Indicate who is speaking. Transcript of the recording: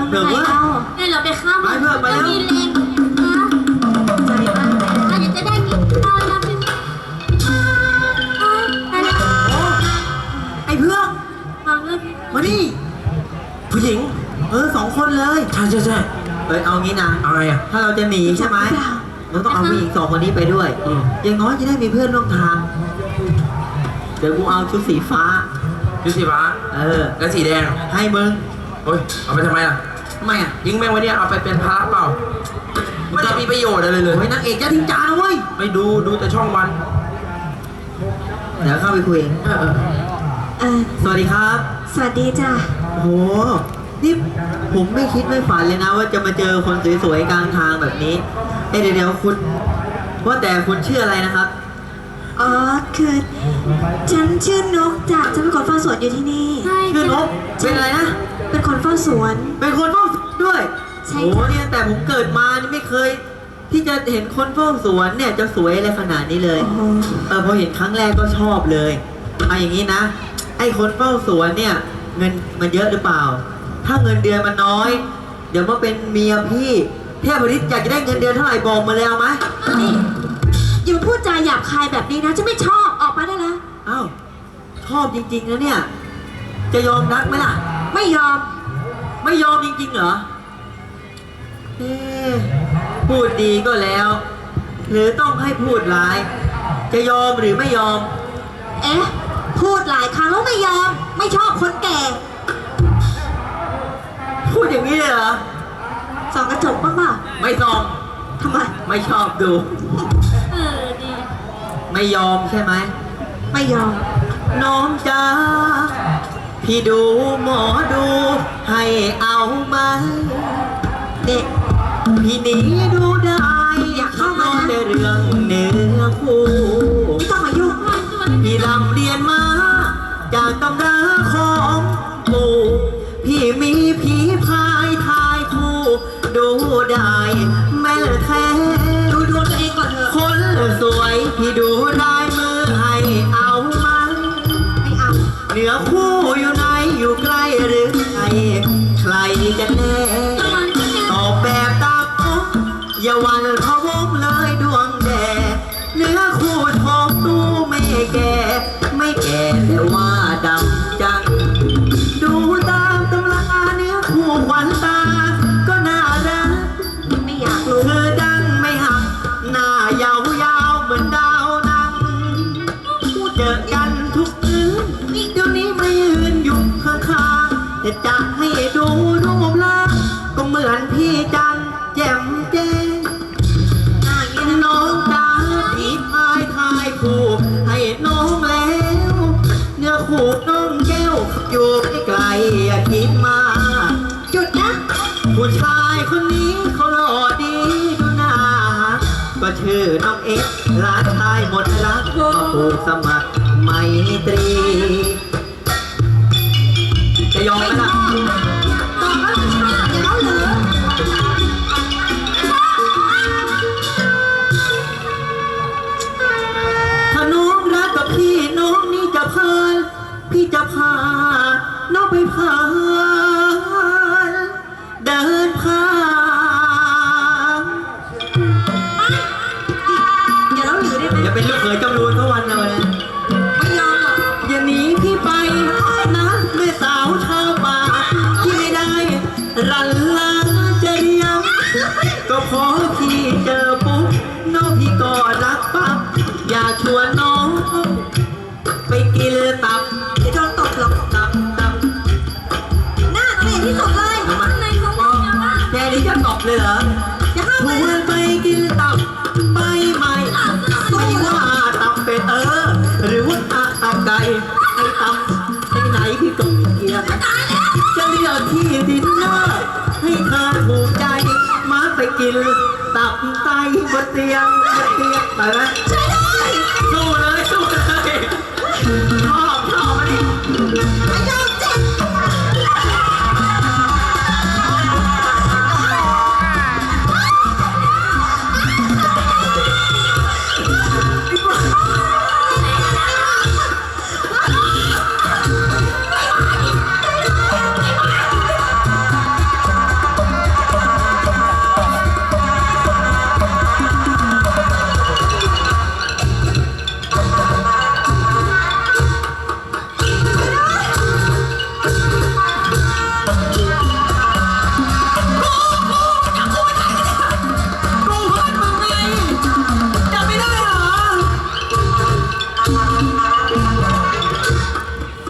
Speaker 1: เดี๋ยวว่าเนี่ยเราไปฆ่ามันจะมีแรงนะใจมากเราจะได้กินข้าวแล้วพี่
Speaker 2: ไอ้เพื่อน
Speaker 1: มาเลย
Speaker 2: มาดิผู้หญิง2 คนเลย
Speaker 3: ใช่
Speaker 2: เอางี้นะ
Speaker 3: เอาไงอ่ะ
Speaker 2: ถ้าเราจะหนีใช่ไหมเราต้องเอาผู้หญิง2 คนนี้ไปด้วยอย่างน้อยจะได้มีเพื่อนร่วมทางเดี๋ยวกูเอาชุดสีฟ้า
Speaker 3: ชุดสีฟ้าแล้วสีแดง
Speaker 2: ให้มึง
Speaker 3: โอ้ยเอาไปทำไมล่ะ
Speaker 2: ทำไมอ่ะ
Speaker 3: ยิงแม่งไว้เนี่ยเอาไปเป็นพระเปล่าไม่ได้มีประโยชน์อะไรเลย
Speaker 2: โอ้ยนางเอกจะทิ้งจานเว้ย
Speaker 3: ไม่ดูแต่ช่องวัน
Speaker 2: เดี๋ยวเข้าไปคุยสวัสดีครับ
Speaker 1: สวัสดีจ้ะ
Speaker 2: โอ้โหนี่ผมไม่คิดไม่ฝันเลยนะว่าจะมาเจอคนสวยๆกลางทางแบบนี้เดี๋ยวคุณว่าแต่คุณชื่ออะไรนะครับ
Speaker 1: อ๋อคือฉันชื่อนกจ้ะฉันเป็นคนเฝ้าสวนอยู่ที่นี่
Speaker 2: ชื่อนกเป็นอะไรนะ
Speaker 1: เป็นคนเฝ้าสวน
Speaker 2: เป็นคนเฝ้าสวนด้วยโอ้เนี่ยแต่ผมเกิดมานี่ไม่เคยที่จะเห็นคนเฝ้าสวนเนี่ยจะสวยอะไรขนาดนี้เลยพอเห็นครั้งแรกก็ชอบเลยเอาอย่างนี้นะไอ้คนเฝ้าสวนเนี่ยเงินมันเยอะหรือเปล่าถ้าเงินเดือนมันน้อยเดี๋ยวมาเป็นเมียพี่เทพฤทธิ์อยากจะได้เงินเดือนเท่าไหร่บอกมาเลยเอาไหม
Speaker 1: อย่าพูดจาหยาบคายแบบนี้นะฉันไม่ชอบออกมาได้แล้ว
Speaker 2: อ้าวชอบจริงๆนะเนี่ยจะยอมรักไหมล่ะ
Speaker 1: ไม่ยอม
Speaker 2: จริงๆเหรอพูดดีก็แล้วหรือต้องให้พูดร้ายจะยอมหรือไม่ยอม
Speaker 1: พูดหลายครั้งแล้วไม่ยอมไม่ชอบคนแก่
Speaker 2: พูดอย่างนี้เลยเหรอ
Speaker 1: ส่องกระจกบ้างเปล่า
Speaker 2: ไม่ส่อง
Speaker 1: ทำไม
Speaker 2: ไม่ชอบดู
Speaker 1: ดี
Speaker 2: ไม่ยอมใช่ไหม
Speaker 1: ไม่ยอม
Speaker 2: น้องจ้าพี่ดูหมอดูให้เอามา
Speaker 1: เด็ก
Speaker 2: พี่หนีดูได้
Speaker 1: อยากเข้ามา
Speaker 2: ในเรื่องเนื้อคู่
Speaker 1: ไม่ต้องมายุ่ง
Speaker 2: พี่รำเรียนมาจากตำราของปู่พี่มีผีพายทายคู่ดูได้แม่แท้
Speaker 1: ดูดวงตัวเองก่อนเถอะ
Speaker 2: คนสวยพี่ดูได้มือให้เอามัน
Speaker 1: ไม่เอา
Speaker 2: เหนือคู่อยู่ไหนอยู่ใกล้หรือไกลใครกันแน่ตอบแบบตามอกอย่าวันพะวงเลยดวงแดดเนื้อคู่ทองดูไม่แก่แต่ว่าดำจังดูตามตำราเนื้อคู่ขวัญตาก็น่ารัก
Speaker 1: ไม่อยากรู้
Speaker 2: คือดังไม่หักหน้ายาวเหมือนดาวนังเจอกันทุกคืนเดี๋ยวนี้ไม่ยืนอยู่ข้างๆแต่จะให้ดูรูปร่างก็เหมือนพี่จังแจ่มแจ้งน้องจ้าพี่พายทายคู่ให้น้องแล้วเนื้อคู่น้องแก้วอยู่ไกลอย่าคิดมา
Speaker 1: จุดนะ
Speaker 2: ผู้ชายคนนี้เขาหล่อดีดูหน้าก็ชื่อน้องเอ็กร้านชายหมดรักมาผูกสมัครไมตรีจะยอมไหมล่ะ
Speaker 1: ตอบว่าชอบอย่าเล่าเหลือ
Speaker 2: ถ้าน้องรักกับพี่น้องนี่จะพาพี่จะพาน้องไปพาเดินผ่าน
Speaker 1: อย่าเล่าเหลือได้ไหม
Speaker 2: อย่าเป็นลูกเขยจำรูนเขาวันเลย
Speaker 1: ไม่ยอมหรอก
Speaker 2: อย่าหนีพี่ไปนะแม่สาวชาวป่าที่ไม่ได้รันลาจะเรียงก็พอพี่เจอปุ๊บน้องพี่ก็รักปั๊บอยากชวนน้องไปกินตับ
Speaker 1: จะโดนตบหรอก
Speaker 2: ตับ
Speaker 1: หน้าเกลียดที่สุดเลยในเขาบอก
Speaker 2: แค่นี้จะตบเลยเหรอ
Speaker 1: จะห้าม
Speaker 2: ชวนไปกินตับไปไหมไม่ว่าตับเป็ดหรือว่าตับไก่ไอ้ตับไอ้ไหนพี่ก็เกลียดจะเลือกที่ดินเนอร์ให้เธอถูกใจมาไปกินตับไตบนเตียงไปไหมสู้เลยชอบมาดิ
Speaker 1: ไม่ยอม